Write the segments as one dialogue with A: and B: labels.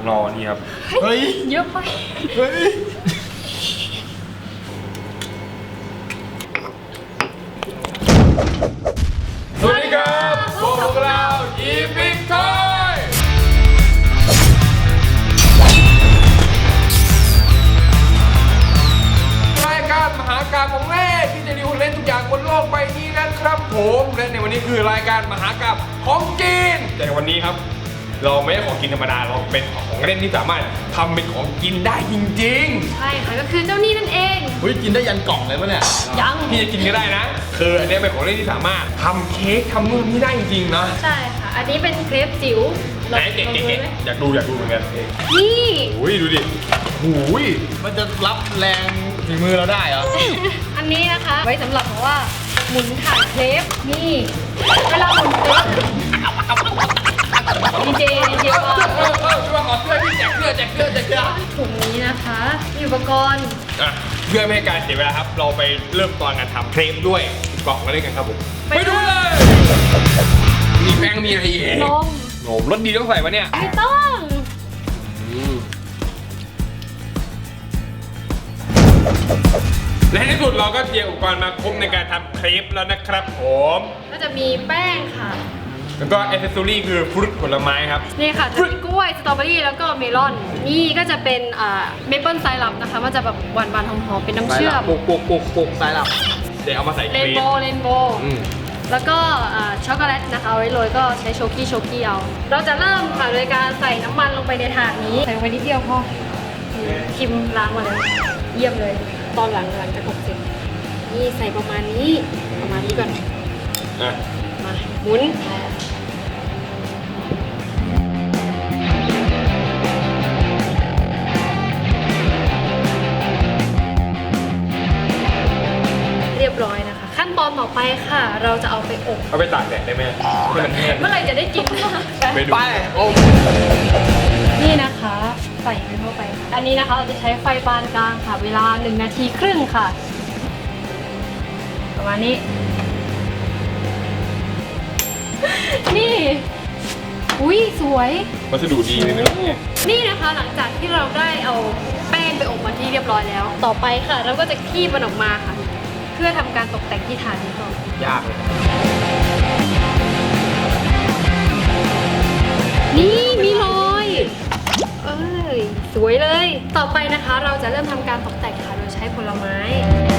A: รอนี่ครับ
B: เฮ้ย
C: เยอะไป
B: เฮ้ย
A: สวัสดีครับพวกเราอีพิกทอยรายการมหากาพย์ของเล่นที่จะรีวิวเล่นทุกอย่างบนโลกใบนี้นะครับผมและในวันนี้คือรายการมหากาพย์ของกินแต่ในวันนี้ครับเราไม่ใช่ของกินธรรมดาเราเป็นของเล่นที่สามารถทำเป็นของกินได้จริงๆ
C: ใช่ค่ะก็คือเจ้านี่นั่นเอง
B: เฮ้ยกินได้ยันกล่องเลยปะเนี่ย
C: ยัง
A: พี่จะกินก็ได้นะคืออันนี้เป็นของเล่นที่สามารถทำเค้กทำนู่นนี่ได้จริงๆนะ
C: ใช่ค่ะอันนี้เป็นเครปจิ๋ว
A: ไหนเก๋ๆอยากดูเหมือนกัน
C: นี่
A: อุ้ยดูดิอุ้ย
B: มันจะรับแรงฝีมือเราได้เหรอ
C: อันนี้นะคะไว้สำหรับแบบว่าหมุนถ่านเครปนี่เวลาหมุนเครปดีเจว่า
A: ช่วยขอเสื้อพี่แจกเสื้อ
C: ถุงนี้นะคะมีอุปกรณ์
A: อ่ะเพื่อไม่ให้การเสียเวลาครับเราไปเริ่มตอนการทำเครปด้วยกล่องมาเล่นกันครับผมไปดูเลยมีแป้งมีอะไรอีก
C: นม
A: โหรสดีต้องใส่ปะเนี่ย
C: ไม่ต้อง
A: และในที่สุดเราก็เตรียมอุปกรณ์มาครบในการทำเครปแล้วนะครับผม
C: ก็จะมีแป้งค่ะ
A: แล้วก็แอคเซสซอรี่คือฟรุตผลไม้ครับ
C: นี่ค่ะจะมีกล้วยสตรอเบอรี่แล้วก็เมลอนนี่ก็จะเป็นเมเปิลไซรัปนะคะมันจะแบบหวานๆหอมๆเป็นน้ำเชื่อม
B: ปุกสายหลับ
A: เดี๋ยวเอามาใส่
C: เร
A: เค้
C: น
A: ก
C: โบว์แล้วก็ช็อกโกแลตนะคะเอาไว้โรยก็ใช้โชกี้เอา เราจะเริ่มค่ะโดยการใส่น้ำมันลงไปในถาดนี้ใส่ลงไปนิดเดียวพอคิมล้างมาเลยเยี่ยมเลยตอนหลังจากอบเสร็จนี่ใส่ประมาณนี้ก่อน
A: อ่ะ
C: มาหมุนเรียบร้อยนะคะ ขั้นตอนต่อไปค่ะ เราจะเอาไปอบ
A: เอาไปตากแดดได้ไหมให้มันแห้ง
C: เมื่อไหร่จะได้กิน
A: ไปดู
B: ไปโอ้
C: นี่นะคะใส่ไปเข้าไป อันนี้นะคะเราจะใช้ไฟปานกลางค่ะ เวลา1 นาทีครึ่งค่ะ ประมาณนี้ นี่อุ้ยสวย
A: วัสดุดีเลยนะเนี่ย
C: นี่นะคะหลังจากที่เราได้เอาแป้งไปอบมาที่เรียบร้อยแล้ว ต่อไปค่ะ เราก็จะคีบมันออกมาค่ะ เพื่อทำการตกแต่งที่ฐานนี้ก่อน
B: ยากเลย
C: นี่มีรอยเอ้ยสวยเลย ต่อไปนะคะเราจะเริ่มทำการตกแต่งค่ะโดยใช้ผลไม้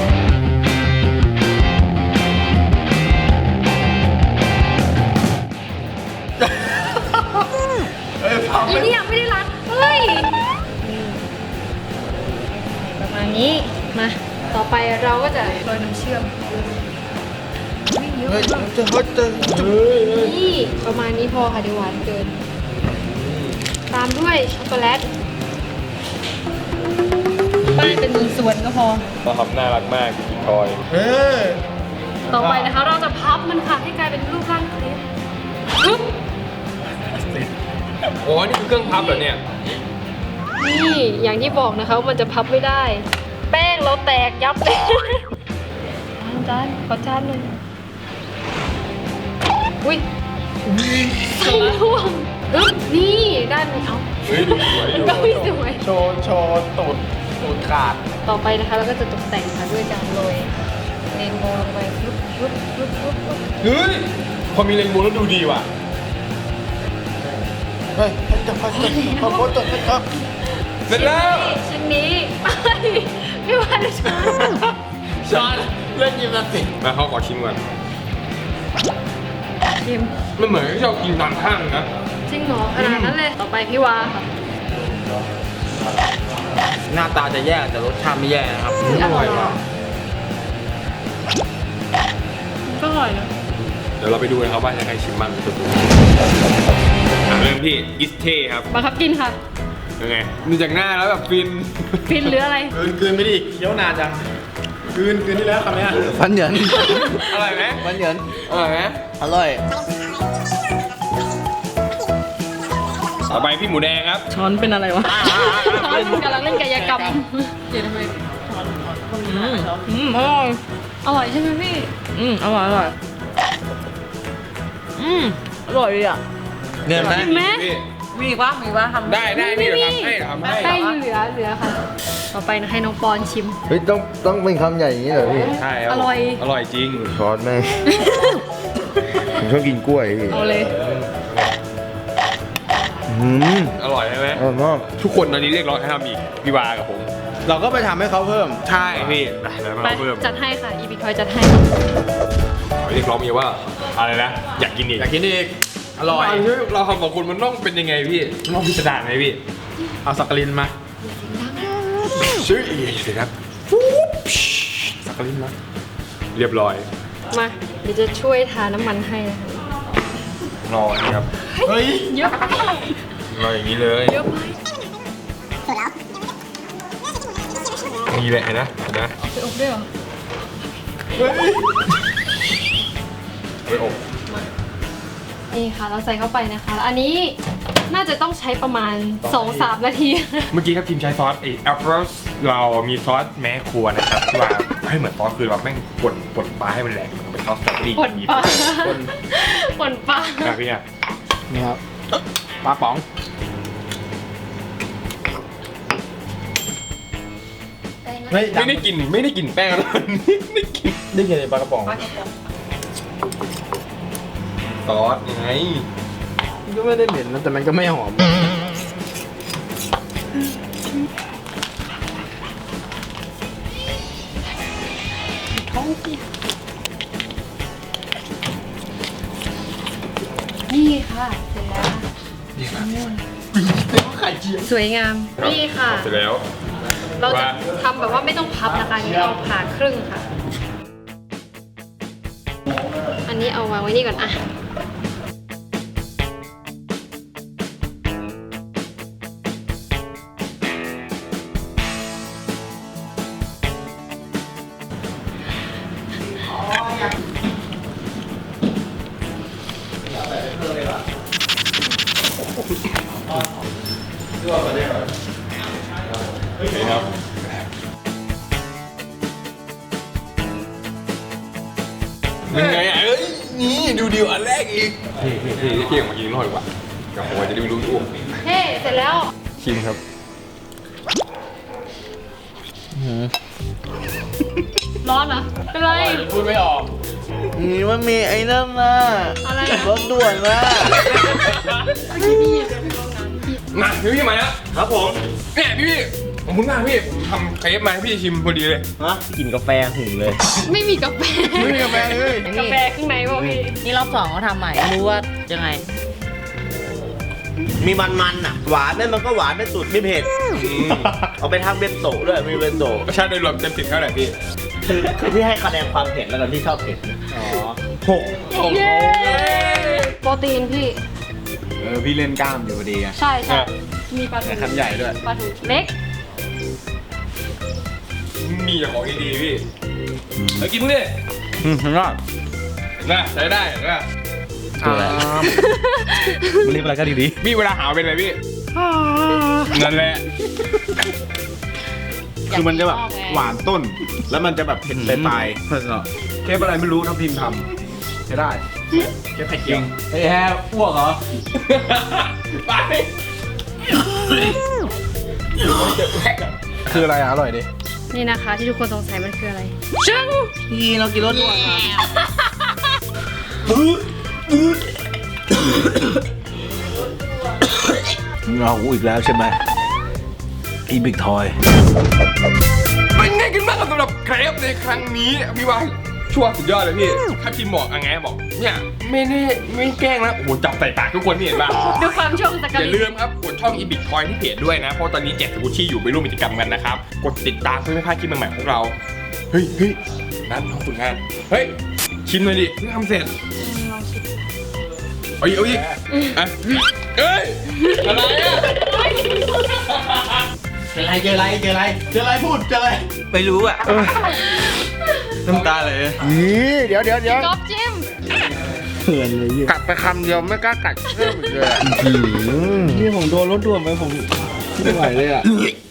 C: อีนี่ยังไม่ได้รัดเฮ้ยประมาณนี้มาต่อไปเราก็จะโรยน้ำเชื่อมเยอะ
B: เฮ้ย
C: มาก
B: เจอ
C: นี่ประมาณนี้พอค่ะเดี๋ยวหวานเกิน ตามด้วยช็อกโกแลตป้ายเป็น1 ส่วนก็พอ
A: มาทำน่ารักมากกินทอย
B: เฮ้ย
C: ต่อไปนะคะเราจะพับมันค่ะให้กลายเป็นรูปร่างเครปปึ๊บ
A: โอ้นี่คือเครื่องพับเหรอเนี่ย
C: นี่อย่างที่บอกนะคะว่ามันจะพับไม่ได้ แป้งเราแตกยับเลยจานขอจานหนึ่งอุ้ยใส่ร่วงอึ๊บนี่ได้ไหมเอา
A: เฮ้ยดูสวยอยู่
C: ก็ไม่สวย
B: โชว์ตูดขาด
C: ต่อไปนะคะเราก็จะตกแต่งค่ะด้วยการโรยเรนโบว์ลงไปปุ๊บปุ๊บปุ๊บปุ๊บปุ๊บ
A: เฮ้ยพอมีเรนโบว์แล้วดูดีว่ะ
B: เฮ้ยจะพัดครับ
A: เสร็จแล้ว
C: ชิ้นนี้ไม่ว่าจะช้า
B: ช้อนเล่นยิมนาสติก
A: มาเขาขอชิมก่อน
C: ชิม
A: มันเหมือนที่เรากินตามห้างนะ
C: จริงเหรอขนาดนั้นเลย ต่อไปพี่วาค่ะ
B: หน้าตาจะแย่แต่รสชาติไม่แย่นะครับ
C: อร่อยว่ะก็อร่อยนะ
A: เดี๋ยวเราไปดูนะครับว่าจะใครชิมบ้างตัวเริ่มที่อิสเท่ครับ
C: บังคับกินค่ะ
A: ยังไงดูจากหน้าแล้วแบบฟิน
C: ฟินหรืออะไร
B: คืนไม่ดีเคี้ยวนานจังคืนที่แล้วคำนี้ฟันเหยิน
A: อร่อยไหม
B: ฟันเหยิน
A: อร่อยไหม
B: อร่อย
A: ต่อไปพี่หมูแดงครับ
D: ช้อนเป็นอะไรวะ
C: ช้อนกำลังเล่นกายกรรมเดี๋ยวทำไม
D: อร่อย
C: อร่อยใช่ไหมพี่
D: อร่อยอร่อยอร่อยดีอ่ะ
B: เนียนไหม
C: เห็นไหม
A: พี่
D: มีอีกปะทำ
A: ได้พี่เราทำให้เราทำให้
C: ได้เหลือค่ะ ต่อไปนะให้น้องปอนชิม
E: เฮ้ยต้องเป็นคำใหญ่อย่างนี้เหรอพี่
A: ใช่คบ
C: อร่อย
A: อร่อยจริง
E: ช้อนแม่ง ผมชอบกินกล้วยพี่
C: เอาเลย
A: อร่อยใช่ไหม
E: อร่อยมาก
A: ทุกคนตอนนี้เรียกร้องให้ทำอีกพี่วากับผม
B: เราก็ไปทำให้เขาเพิ่ม
A: ใช่พี่ไปแล้ว
C: ไป
A: มาเพิ่ม
C: จัดให้ค่ะ อีบิคอยจัดให้
A: เรียกร้องมีว่าอะไรนะอยากกินอีก
B: อยากกินอีก อร่อย
A: เราทำของคุณมันต้องเป็นยังไงพี่มันต้องพิสดารไหมพี่
B: เอาสักกลินมา
A: ชื่อเสร็จครับสักกลิ้นนะเรียบร้อย
C: มา เดี๋ยวจะช่วยทาน้ำมันให้นะคะ
A: รอครับ
B: เฮ้ย
C: เยอะไป
A: รออย่างนี้เลย
C: เยอะไป
A: นี่แหละนะนะ
C: ไปอบด้วยเหรอ
A: ไปอบ
C: นี่ค่ะ เราใส่เข้าไปนะคะแล้วอันนี้น่าจะต้องใช้ประมาณ 2-3 นาที
A: เมื่อกี้ครับทีมใช้ซอสแอปเปิลเรามีซอสแม่ครัวนะครับที่ว่าให้เหมือนซอสคือเราแม่งป่นปลาให้มันแหลกมันเป็นซอสสตรอเบอรี่
C: ป่นปลาป่นปลา
A: ครับพี่อ่ะ
B: นี่ครับปลาป๋อง เฮ้ย
A: ไม่ได้กินแป้งแล้วไม่ได้กิน
B: ได้กินปลากระป๋อง
A: ซอสไง
B: ก็ไม่ได้เหม็นนะแต่มันก็ไม่หอม
C: นี่ค่ะ เสร็จแล้วสวยงาม นี่ค่ะ
A: เสร็จแล้ว
C: เราจะทำแบบว่าไม่ต้องพับนะคะอันนี้เอาผ่าครึ่งค่ะ อันนี้เอาวางไว้นี่ก่อนอะ
A: ครับเป็นไงอ่ะเอ้ยนี่ดูดิวอันแรกอีกพี่เกี่ยงมากินหน่อยว่ะเดี๋ยวผมจะได้รู้ตัว
C: เฮ้เสร็จแล้ว
A: ชิมครับ
C: ร้อนเหรอ เป็นไร
B: พูดไม่ออก
E: นี่มันมีไอ้นั่นนะ
C: อะไรอะ
E: รถด่วนนะ
A: มาพี่มาแล้วครับผมเนี่ยพี่ผมเพิ่งมาพี่ผมทำเครปมาให้พี่ชิมพอดีเลย
E: ฮะกินกาแฟหึงเลย
C: ไม่มีกาแฟ
B: ไม่มีกาแฟเลย
C: กาแฟข้างในป่ะพี่
D: นี่รอบ2เขาทำใหม่รู้ว่ายังไง
E: มีมันอ่ะ หวานนั่นมันก็หวานไม่สุดไม่เผ็ด เอาไปทำเบนโตะด้วยมีเบนโตะ
A: รสชาติโดยรวมเต็ม10เท่าไหร่พี่
E: คือที่ให้คะแนนความเผ็ดแล้วกันที่ชอบเผ็ดนะหก
C: เย้โปรตีนพี่
B: พี่เล่นกล้ามอยู่พอดีไง
C: ใช่ใช่มีปลาทู
B: แต่คำใหญ่ด้วย
C: ปลาทูเล็ก
A: มีแต่ของดีๆพี่แล้วกินพวกนี้
B: รอด
A: นะใช้ได้นะ
E: มันเรียกอะไรก็ดี
A: พี่เวลาหาวเป็นอะไรพี่นั่นแหละ
E: คือมันจะแบบหวานต้น แล้วมันจะแบบเผ็ดปลาย
B: เทปอะไรไม่รู้ทัพทีมทำใช้ได้
A: แค่ไข่เจียว
B: เฮ้ยแฮอ้วกเหรอ
A: ไป
B: คืออะไรอ่ะ อร่อยดิ
C: นี่นะคะที่ทุกคนสงสัยมันคืออะไรชึ้ง
E: พี่เรากินรสด่วนมา เราอีกแล้วใช่ไหมอีบิ๊กทอย
A: เป็นไงกันบ้างครับสำหรับเครปในครั้งนี้พี่ว่าชัวร์สุดยอดเลยพี่ถ้าทีมบอกไงบอกเนี่ยไม่แกล้งนะโอ้โหจับใส่ปากทุกคนนี่เห็นป่ะ
C: ดูความช่วงสกั
A: อ
C: ด
A: ย่าลืมครับกดช่องอีบิทคอยที่เพจด้วยนะ เพราะตอนนี้แจกสกุชชี่อยู่ไปร่วมกิจกรรมกันนะครับ กดติดตามเพื่อไม่พลาดคลิปใหม่ๆของเรา เฮ้ยนั่นน้องฝึกงาน เฮ้ย ชิมหน่อยดิเพิ่งทำเสร็จ
C: ลองชิม
A: เอาอีกอ่ะเอ้ย อะไรอ่ะ
B: เจออะไรพูดเจออะไร
E: ไม่รู้อ่ะ
B: น้ำตาเลย
E: นี่เดี๋ยว
C: ก๊อฟจิ้ม
E: เผื่อนเลยกัดไปคำเดียวไม่กล้ากัดเพิ่มอีกเลยนี่ผมโดนรถด่วนไปผมไม่ไหวเลยอ่ะ